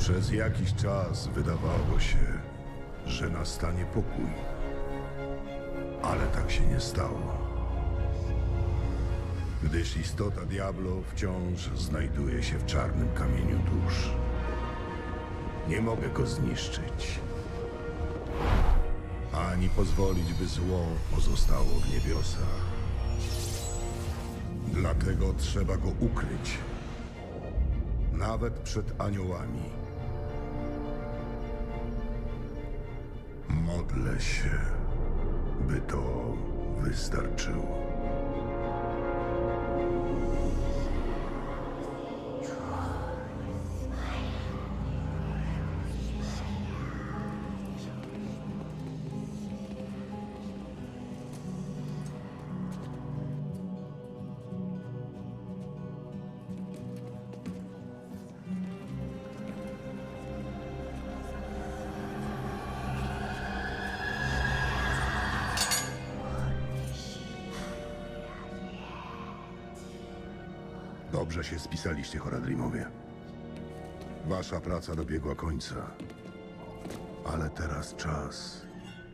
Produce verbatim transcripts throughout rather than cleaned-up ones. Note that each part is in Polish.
Przez jakiś czas wydawało się, że nastanie pokój. Ale tak się nie stało. Gdyż istota Diablo wciąż znajduje się w czarnym kamieniu dusz. Nie mogę go zniszczyć. Ani pozwolić, by zło pozostało w niebiosach. Dlatego trzeba go ukryć. Nawet przed aniołami. Modlę się, by to wystarczyło. Dobrze się spisaliście, Horadrimowie. Wasza praca dobiegła końca. Ale teraz czas.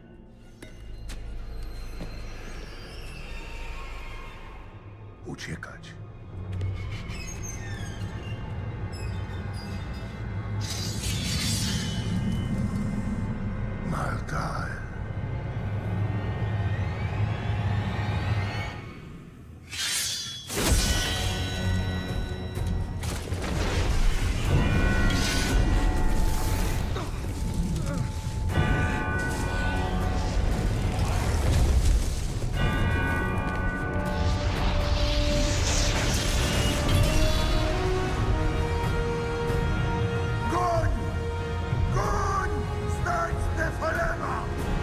Uciekać. Maltael. Goń! Goń! Znajdź Nefalema!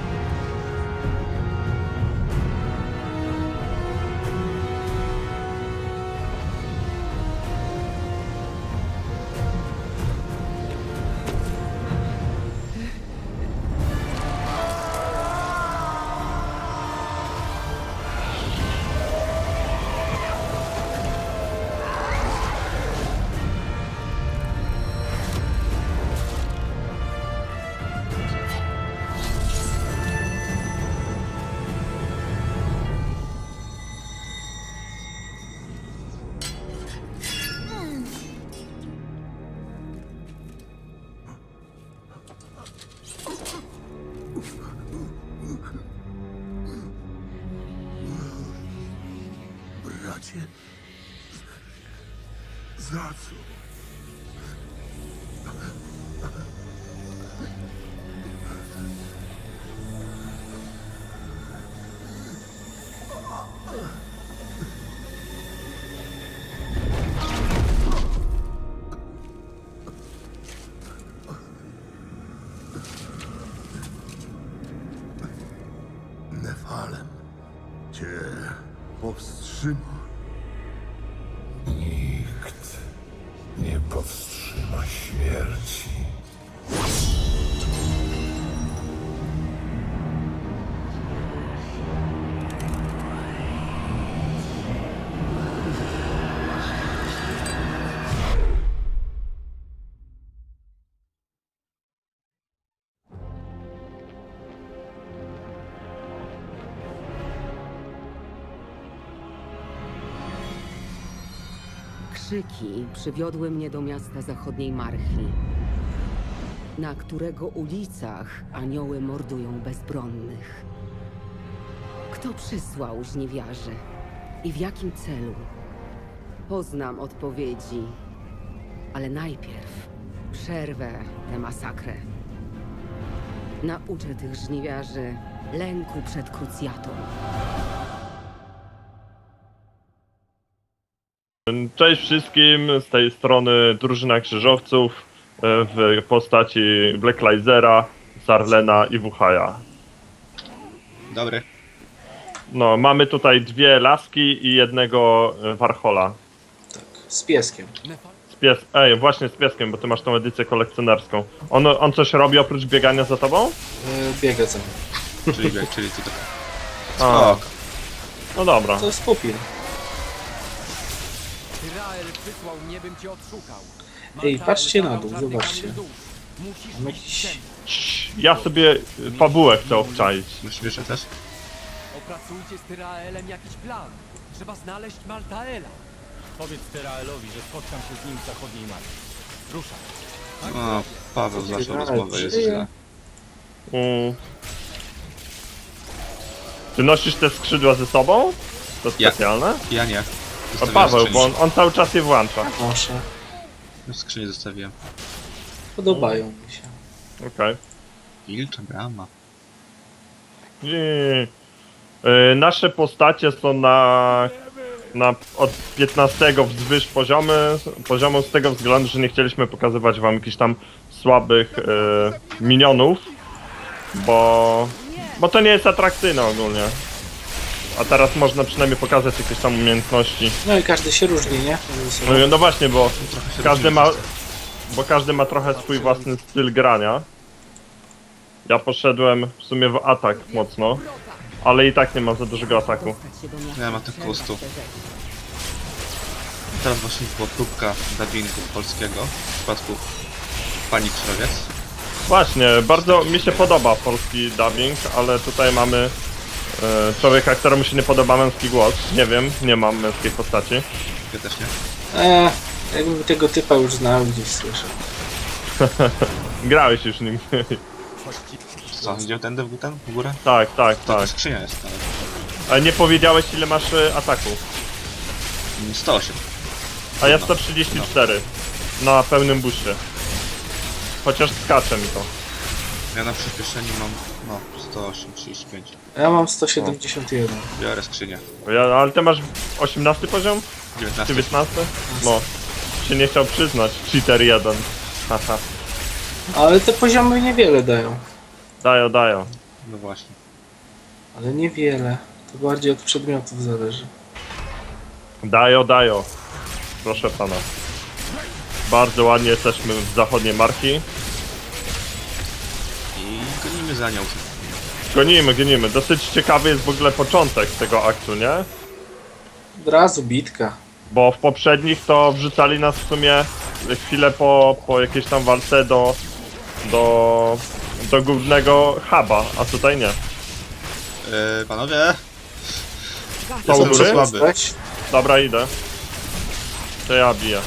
Bracie, za co? Nefalem cię powstrzyma. Nikt nie powstrzyma śmierci. Krzyki przywiodły mnie do miasta zachodniej Marchi, na którego ulicach anioły mordują bezbronnych. Kto przysłał żniwiarzy i w jakim celu? Poznam odpowiedzi, ale najpierw przerwę tę masakrę. Nauczę tych żniwiarzy lęku przed krucjatą. Cześć wszystkim, z tej strony drużyna krzyżowców w postaci Black Lizera, Sarlena i Wuchaja. Dobry. No, mamy tutaj dwie laski i jednego warchola. Tak, z pieskiem. Z pies... Ej, właśnie z pieskiem, bo ty masz tą edycję kolekcjonerską. On, on coś robi oprócz biegania za tobą? Yy, biega za mną. Czyli bieg, czyli tutaj. A, Spoko. no dobra. To jest pupil. Tyrael wysłał mnie, bym cię odszukał. Ej, Maltael patrzcie na zabrał dół, czarny zobaczcie. kamień dusz. Musisz Mam iść jakiś- ze mną. Cii, Ja sobie fabułę chcę obczaić. Myślisz, że też? Opracujcie z Tyraelem jakiś plan. Trzeba znaleźć Maltaela. Powiedz Tyraelowi, że spotkam się z nim w zachodniej marki. Ruszaj. O, Paweł zaczął Ale rozmowę, jest żyje. źle. Mm. Ty nosisz te skrzydła ze sobą? To Ja. specjalne? Ja nie. A Zostawiłem Paweł, skrzynię. bo on, on cały czas je włącza. Proszę. W skrzyni zostawiłem. Podobają mi się. Okej. Wilcza brama. Nie. Y, Nasze postacie są na, na od piętnastego wzwyż poziomy, poziomu z tego względu, że nie chcieliśmy pokazywać wam jakichś tam słabych y, minionów, bo, bo to nie jest atrakcyjne ogólnie. A teraz można przynajmniej pokazać jakieś tam umiejętności. No i każdy się różni, nie? No, no właśnie, bo Trochę się każdy różnimy ma, wszyscy. bo każdy ma trochę swój własny styl grania. Ja poszedłem w sumie w atak mocno, ale i tak nie mam za dużego ataku. Dostać się do miasta Ja mam tak trzeba po prostu. przez rzekę. Teraz właśnie była próbka dubbingu polskiego w przypadku Pani Krzewiec. Właśnie, bardzo mi się podoba polski dubbing, ale tutaj mamy e, człowieka, któremu się nie podoba męski głos. Nie wiem, nie mam męskiej postaci. Ja też nie. Eee, jakbym tego typa już znał, gdzieś słyszał. Grałeś już nim. Co, idzie tędy w ten w górę? tak, tak, To tak. skrzynia jest nawet. Ale nie powiedziałeś ile masz e, ataku. sto osiem. A ja sto trzydzieści cztery na pełnym buście. Chociaż skacze mi to. Ja na przyspieszeniu mam, no, sto osiem, trzydzieści pięć. A ja mam sto siedemdziesiąt jeden. Biorę skrzynię. Ja, ale ty masz osiemnasty poziom? dziewiętnasty. dziewiętnasty? No. Się nie chciał przyznać. Cheater jeden. Haha. Ale te poziomy niewiele dają. Dają, dają. No właśnie. Ale niewiele. To bardziej od przedmiotów zależy. Dają, dają. Proszę pana. Bardzo ładnie jesteśmy w zachodniej marki. I gonimy za nią. Gonimy, gonimy. Dosyć ciekawy jest w ogóle początek tego aktu, nie? Od razu bitka. Bo w poprzednich to wrzucali nas w sumie chwilę po, po jakiejś tam walce do, do, do głównego huba, a tutaj nie. Yy, panowie, Są Jestem góry? za słaby. Postać. Dobra, idę. To ja biję.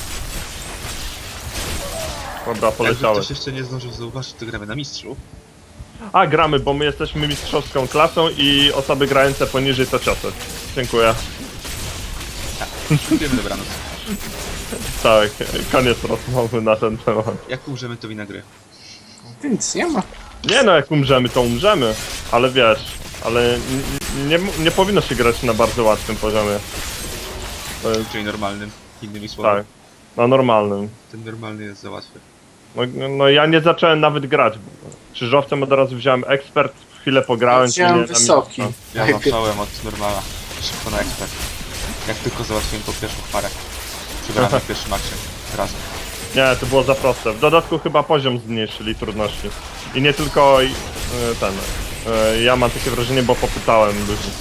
Dobra, jakby poleciały. ktoś jeszcze nie zdążył zauważyć, to gramy na mistrzu. A, gramy, bo my jesteśmy mistrzowską klasą i osoby grające poniżej to ciosy. Dziękuję. Dziękujemy, dobranoc. Tak, koniec rozmowy na ten temat. Jak umrzemy, to wina gry. Tu nic nie ma. Nie no, jak umrzemy, to umrzemy. Ale wiesz, ale n- n- nie, nie powinno się grać na bardzo łatwym poziomie. To jest, Czyli normalnym, innymi słowy. tak, na normalnym. Ten normalny jest za łatwy. No, no ja nie zacząłem nawet grać. Krzyżowcem od razu wziąłem ekspert, chwilę pograłem. Wziąłem nie, na wysoki. mistrza. Ja Najpierw- zacząłem od normala. Szybko na ekspert. Jak tylko załatwiłem tą pierwszą parę. Przegrałem w pierwszym akcie. Razem. Nie, to było za proste. W dodatku chyba poziom zmniejszyli trudności. I nie tylko y, ten. y, Ja mam takie wrażenie, bo popytałem ludzi.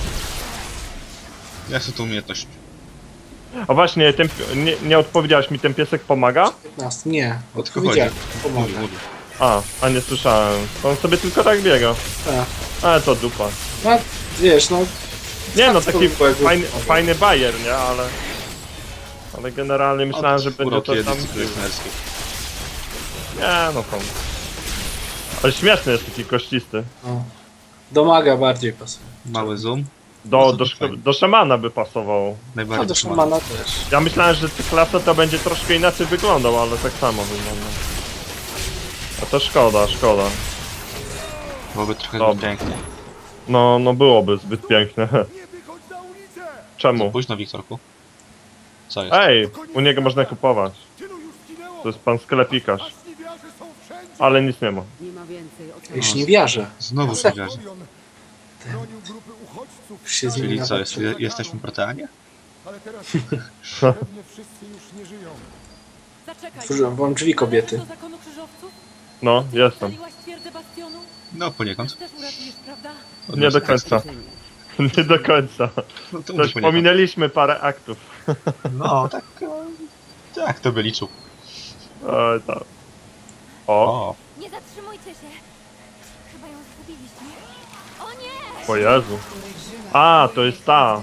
Jak są to umiejętność? A właśnie, ten, pi- nie, nie odpowiedziałeś mi, ten piesek pomaga? piętnaście. Nie. O tylko Odpowiedziałem. chodzi. Mówi, Pomaga. mówi. A, a nie słyszałem. To on sobie tylko tak biega. Tak. Ale to dupa. No, wiesz, no... Nie no, tak taki to było, jakby- fajny, fajny bajer, nie? Ale... Ale generalnie myślałem, że będzie Uroki to tam... edycji kolekcjonerskiej. Nie no to... Ale śmieszny jest taki kościsty. No. Do maga bardziej pasuje. Mały zoom. Do, No to do, to fajnie. szko- do szamana by pasował. A Najbardziej do trzymany. szamana też. Ja myślałem, że ta klasa to będzie troszkę inaczej wyglądał, ale tak samo wygląda. A to szkoda, szkoda. Byłoby trochę Dobra. pięknie. No, no byłoby zbyt piękne. Nie wychodź na ulicę! Za Czemu? późno, Wiktorku. Co jest? Ej, u niego można kupować. Tylu już zginęło! To jest pan sklepikarz. Żniwiarze są wszędzie! Ale nic nie ma. Nie ma więcej o Jeśli co nie wierzę. Znowu Se- się wierzy. Orion bronił grupy uchodźców, Już się z nim Czyli nawet co, jest, nie- jesteśmy proteanie? ale teraz pewnie wszyscy już nie żyją. Zaczekaj. Otworzyłem wam drzwi, kobiety. Do zakonu krzyżowców? No, jestem. Ocaliłaś twierdzę bastionu? No poniekąd. Też uratujesz, prawda? Nie do końca. Nie do końca. No to Coś pominęliśmy parę aktów. No, tak. e, Tak, to by liczył. E, tak. O, O, Nie zatrzymujcie się! Chyba ją zgubiliśmy. O nie! o Jezu. A, to jest ta.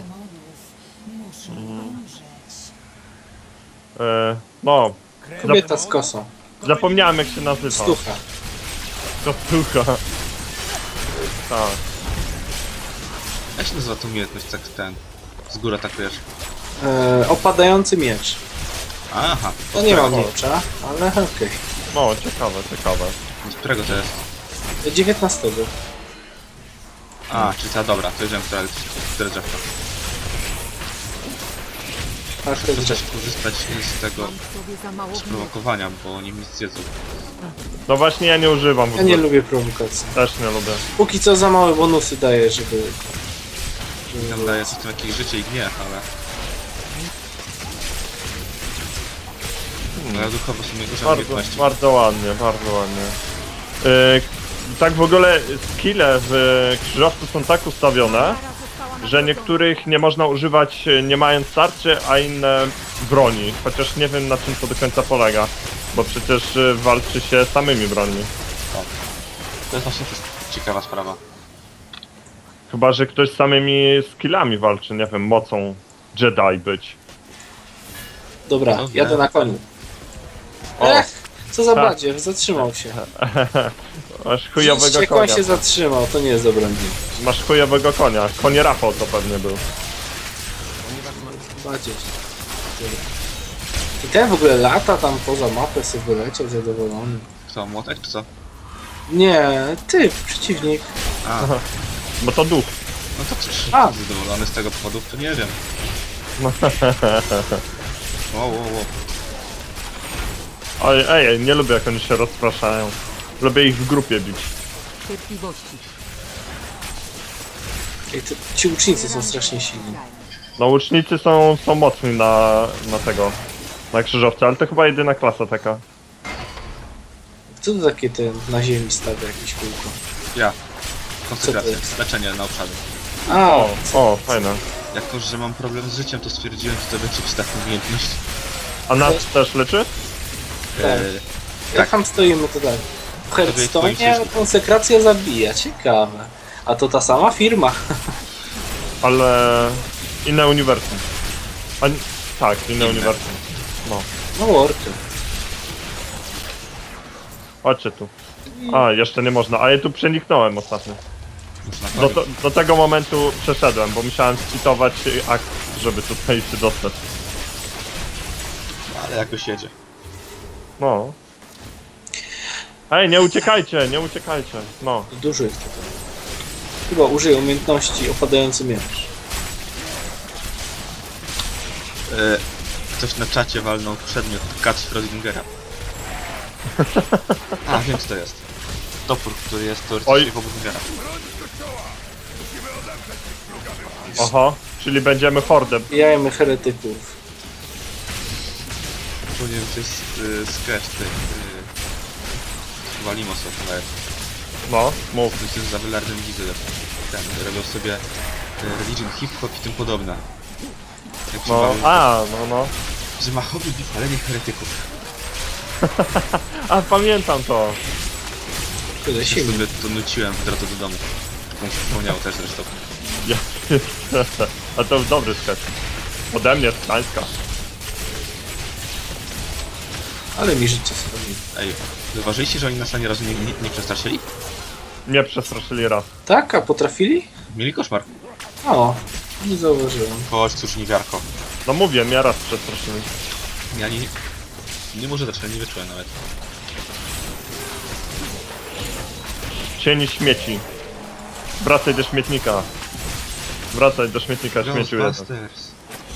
E, no, Kobieta z kosą. zapomniałem jak się nazywa. Stucha. Kostucha. Tak. jak się nazywa ta umiejętność, tak ten... Z góry atakujesz? E, opadający miecz. Aha, To nie ma miecza, ale okej. No, ciekawe, ciekawe. z którego to jest? dziewiętnastego. A, czyli ta dobra, to wiedziałem, która która drzewka. Tak, to To jest trzeba korzystać z tego Mam w sobie za mało gniewu. sprowokowania, bo oni nic zjedzą. No właśnie ja nie używam w Ja nie ogóle. lubię prowokacji. Też nie lubię. Póki co za małe bonusy daje, żeby... żeby Tam daje coś tam jakieś życie i gniew, ale... No ja duchowo sobie używam Bardzo, umiejętności. bardzo ładnie, bardzo ładnie. Yy, tak w ogóle skille w krzyżowcu są tak ustawione, że niektórych nie można używać e, nie mając tarczy, a inne broni. Chociaż nie wiem na czym to do końca polega. Bo przecież e, walczy się samymi brońmi. To jest właśnie też ciekawa sprawa. Chyba że ktoś z samymi skillami walczy, nie wiem, mocą Jedi być. Dobra, No, jadę nie. na koniu. O. Ech, co za Tak. badziew, zatrzymał się. Masz chujowego Jak on konia. się zatrzymał, to nie jest dobra dni. Masz chujowego konia. Konie Rafał to pewnie był. Badziew. I ten w ogóle lata tam poza mapę sobie wyleciał zadowolony. Kto, młotek czy co? Nie, ty, przeciwnik. A, Bo to duch. no to cóż, A. zadowolony z tego powodu, to nie wiem. Wow, wow, wow. Oj, ej, nie lubię jak oni się rozpraszają. Lubię ich w grupie bić. Cierpliwości. Ej, te, ci ucznicy są strasznie silni. No łucznicy są, są mocni na, na tego, na krzyżowca, ale to chyba jedyna klasa taka. Co to takie ten na ziemi stawia jakieś kółko? Ja. Co Konsekracja, to jest? leczenie na obszary. A, O, o, fajne. Jako, że mam problem z życiem, to stwierdziłem, że to będzie przydatna umiejętność. A nas też leczy? Tak. Eee, jak tak. tam stoimy, to tak. W twoim Hearthstone sojuszniku. konsekracja zabija, ciekawe. A to ta sama firma. Ale inne uniwersum. A, ni- tak, inne Inne. uniwersum. No, No worky. chodźcie tu. A, jeszcze nie można, a ja tu przeniknąłem ostatnio. Muszę na Do, koniec. to, do tego momentu przeszedłem, bo musiałem citować akt, żeby tutaj się dostać. Ale jakoś jedzie. No. Ej, nie uciekajcie, nie uciekajcie. No. Dużo jest tutaj. Chyba użyję umiejętności opadający miecz. Eee, ktoś na czacie walnął przedmiot Kat Schrödingera. A, wiem co to jest. Topór, który jest teoretycznie Oj. w Schrödingera. Oho, czyli będziemy hordem. Jajmy heretyków. Powiem, to jest y, sketch tych... Y, chyba Limosów nawet. No, mów. To jest za Wylardem widzę, ten, robią sobie y, religion, hip-hop i tym podobne. Jak się No, bawią, a, no, no. że ma hobby palenie heretyków. A, pamiętam to. Tyle Ja siły. sobie to nuciłem w drodze do domu. To mi się przypomniało też zresztą. Ja, a to dobry sketch. Ode mnie, z Gdańska. Ale mi życie zrobi. Ej, zauważyliście, że oni nas ani razu nie, nie, nie przestraszyli? Mnie przestraszyli raz. Tak? A potrafili? Mieli koszmar. O, nie zauważyłem. Chodź, cóż, niewiarko. No mówię, mnie raz przestraszyli. Ja nie... Nie może zacząłem, nie wyczułem nawet. Cień śmieci. Wracaj do śmietnika. Wracaj do śmietnika, śmieciu jeden. Ghostbusters.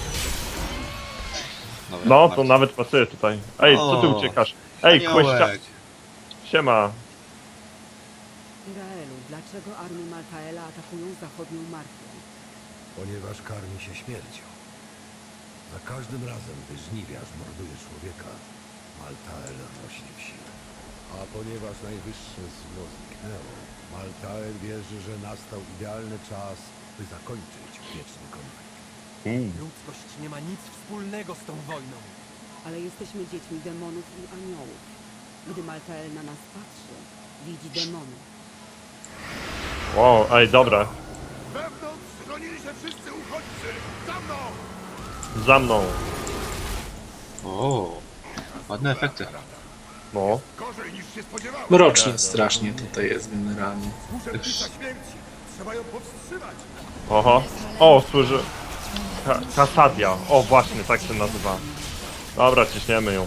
Dobra, No, to Marcin. nawet pasuje tutaj. Ej, co ty O, uciekasz? Ej, kłeścia... Aniołek. Siema. Iraelu, dlaczego armie Maltaela atakują zachodnią Marfię? Ponieważ karmi się śmiercią. Za każdym razem, gdy żniwiarz morduje człowieka, Maltael rośnie w sile. A ponieważ najwyższe zło zniknęło, Maltael wierzy, że nastał idealny czas, by zakończyć wieczny konflikt. Mm. Ludzkość nie ma nic wspólnego z tą wojną. ale jesteśmy dziećmi demonów i aniołów. Gdy Maltael na nas patrzy, widzi demony. Wow, ej, dobra. Wewnątrz schronili się wszyscy uchodźcy! Za mną! Za mną. O, ładne efekty. No. Gorzej niż się spodziewałem! Mrocznie strasznie tutaj jest generalnie. Muszę pisać śmierci! Trzeba ją powstrzymać! Oho. O, służy... Ka Kasadia. O, właśnie, tak się nazywa. Dobra, ciśniemy ją.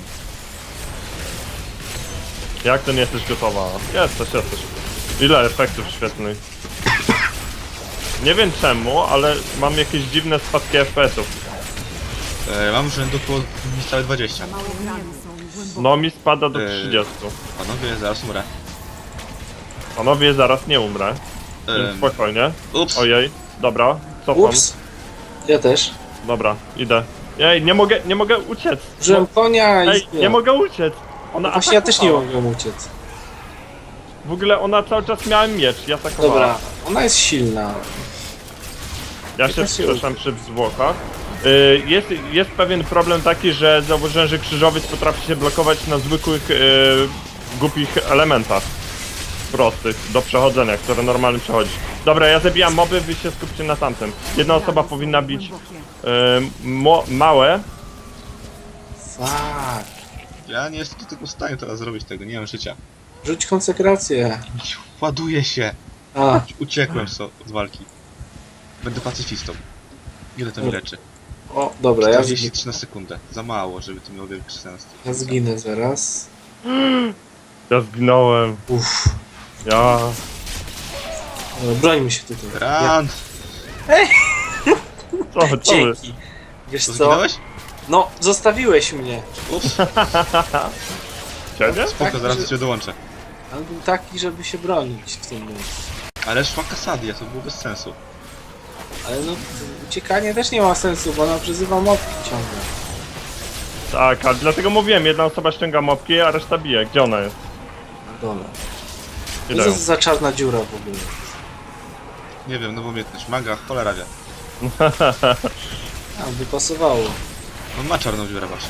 Jak to nie jesteś gotowa? Jesteś, jesteś. Ile efektów świetnych. Nie wiem czemu, ale mam jakieś dziwne spadki F P S-ów. E, mam rzędu około niecałe dwadzieścia. Mało rany są głębokie. No mi spada do Eee. trzydziestu. Panowie, zaraz umrę. Panowie, zaraz nie umrę. Więc Em, spokojnie. ups. Ojej, dobra, cofam. Ups. Ja też. Dobra, idę. Ej, nie mogę, nie mogę uciec. Użyłem konia i Ej, zbiłem. nie mogę uciec. Ona Właśnie ja też nie atakowała. mogłem uciec. W ogóle ona cały czas miała miecz, ja tak Dobra, ona jest silna. Ja się się wskrzeszam przy zwłokach. Y, Jest, jest pewien problem taki, że zauważyłem, że krzyżowiec potrafi się blokować na zwykłych, y, głupich elementach. Prostych, do przechodzenia, które normalnie przechodzi. Dobra, ja zabijam moby, wy się skupcie na tamtym. Jedna osoba powinna bić Głębokie. y, mo, małe. Fuck. Ja nie jestem tylko w stanie teraz zrobić tego, nie mam życia. Rzuć konsekrację. Ładuję się. A, Uciekłem so, z walki. Będę pacyfistą. Ile to mi leczy? o, dobra, ja czterdzieści zginę, trzy na sekundę. Za mało, żeby to miało wielki sens. ja zginę zaraz. Ja zginąłem. Uff. Ja... Dobra, brońmy się tutaj. Ja, Rand! Co, co wy? dzięki. Wiesz To co? zginąłeś? No, zostawiłeś mnie. Ups, Ciebie? spoko, Tak, zaraz że- do ciebie dołączę. On był taki, żeby się bronić w tym miejscu. Ale szła Kasadia, to było bez sensu. Ale no, uciekanie też nie ma sensu, bo ona przyzywa mopki ciągle. Tak, a dlatego mówiłem, jedna osoba ściąga mopki, a reszta bije. Gdzie ona jest? Na dole. Co Idę. to jest za czarna dziura w ogóle? Nie wiem, nową umiejętność. Maga, cholera wie. A, by pasowało. On ma czarną dziurę właśnie.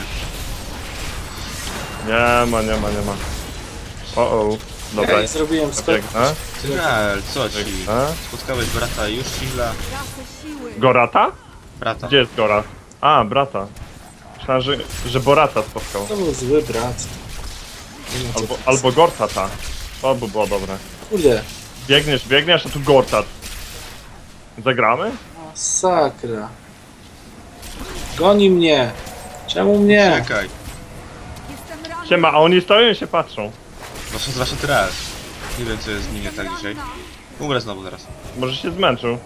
Nie ma, nie ma, nie ma. O, o. Dobra, Ja zrobiłem skok. biegnę. Tyral, co ci? biegnę. Spotkałeś brata Jushila? Tracę siły. Gorata? Brata. Gdzie jest Gora? A, brata. Myślałem, że, że Borata spotkał. To był zły brat. Nie wiem, co Albo, to jest. albo Gortata. To by było dobre. Kurde, Biegniesz, biegniesz, a tu Gortat. Zagramy? masakra. Goni mnie. Czemu mnie? Czekaj. Jestem ranna. Siema, a oni stoją i się patrzą. No są zwłaszcza Tyral. Nie wiem co jest z nim nie tak dzisiaj. Umrę znowu zaraz. Może się zmęczył.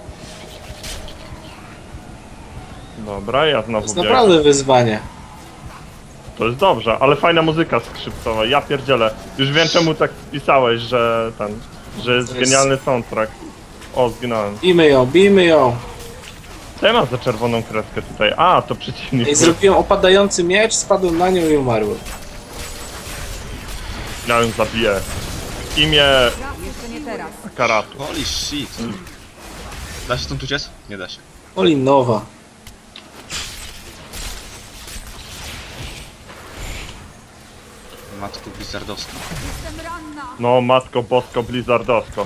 Dobra, ja To znowu jest biegnę. naprawdę wyzwanie. To jest dobrze, ale fajna muzyka skrzypcowa. Ja pierdzielę. Już wiem czemu tak pisałeś, że ten... że jest To jest- genialny soundtrack. O, zginąłem. Bijmy ją, bijmy ją. Co ja mam za czerwoną kreskę tutaj? A, to przeciwnik. Ej, zrobiłem opadający miecz, spadłem na nią i umarłem. Ja ją zabiję. W imię Jeszcze nie teraz. Karatu. Holy shit. Da się stąd uciec? Nie da się. Olinowa. Matko Blizzardowska. Jestem ranna. No, matko bosko blizzardowsko.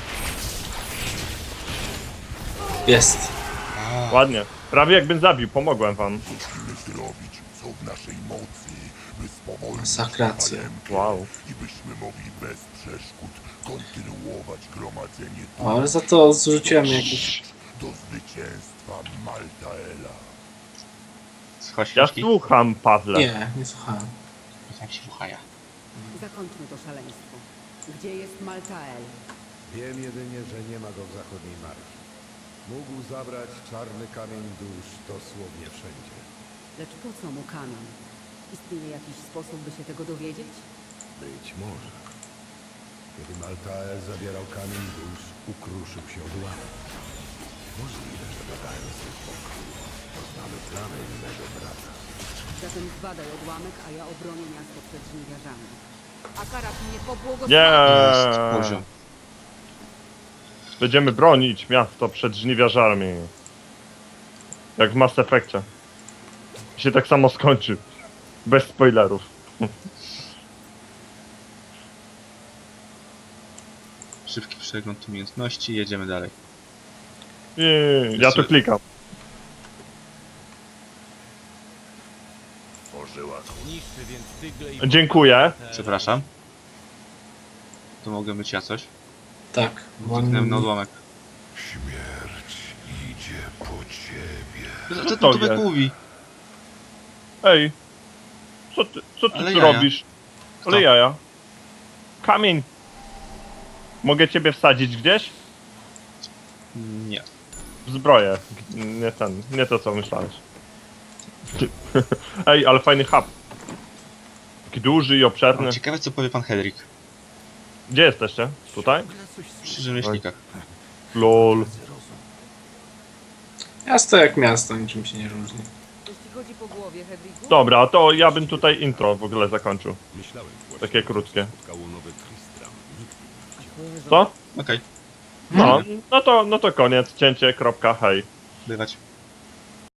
Jest. Ładnie. Prawie jakbym zabił, pomogłem wam. Musimy zrobić, co w naszej mocy, by spowolnić Masakracja. Wow. i byśmy mogli bez przeszkód kontynuować gromadzenie O, ale za to zrzuciłem jakiś... do zwycięstwa Maltaela. Słuchaj Ja książki? słucham, Pawle. Nie, nie słuchałem. Jak się słuchaja. Zakończmy to szaleństwo. Gdzie jest Maltael? Wiem jedynie, że nie ma go w zachodniej marki. Mógł zabrać czarny kamień dusz dosłownie wszędzie. Lecz po co mu kamień? Istnieje jakiś sposób, by się tego dowiedzieć? Być może. Kiedy Maltael zabierał kamień dusz, ukruszył się odłamek. Możliwe, że badając ten pokój, poznamy plany innego brata. Zatem zbadaj odłamek, a ja obronię miasto przed żniwiarzami. A Karat mnie pobłogosławi. Nie. Jest poziom. Będziemy bronić miasto przed żniwiarzami. Jak w Mass Effectie. I się tak samo skończy. Bez spoilerów. Szybki przegląd umiejętności, jedziemy dalej. Yy, ja tu klikam. Niszczy więc tygle i... Dziękuję. Przepraszam. To mogę być ja coś? Tak, bo Kliknąłem na odłamek. Śmierć idzie po ciebie. Co, co to tu Tomek jest? mówi? Ej. Co ty, co ty Ale tu jaja. robisz? Kto? Ale jaja. Kamień. Mogę ciebie wsadzić gdzieś? Nie. W zbroję. Nie ten, nie to co myślałeś. Ej, ale fajny hub. Taki duży i obszerny. O, ciekawe co powie pan Hedrik. Gdzie jesteście? Tutaj? Przy rzemieślnikach. Lol. miasto jak miasto, niczym się nie różni. Jeśli chodzi po głowie, Hedwigu? Dobra, to ja bym tutaj intro w ogóle zakończył. Myślałem właśnie, Takie krótkie. że spotkało nowy Tristram. Nikt Co? Okej, No, no to, no to koniec. Cięcie, kropka, hej. bywać.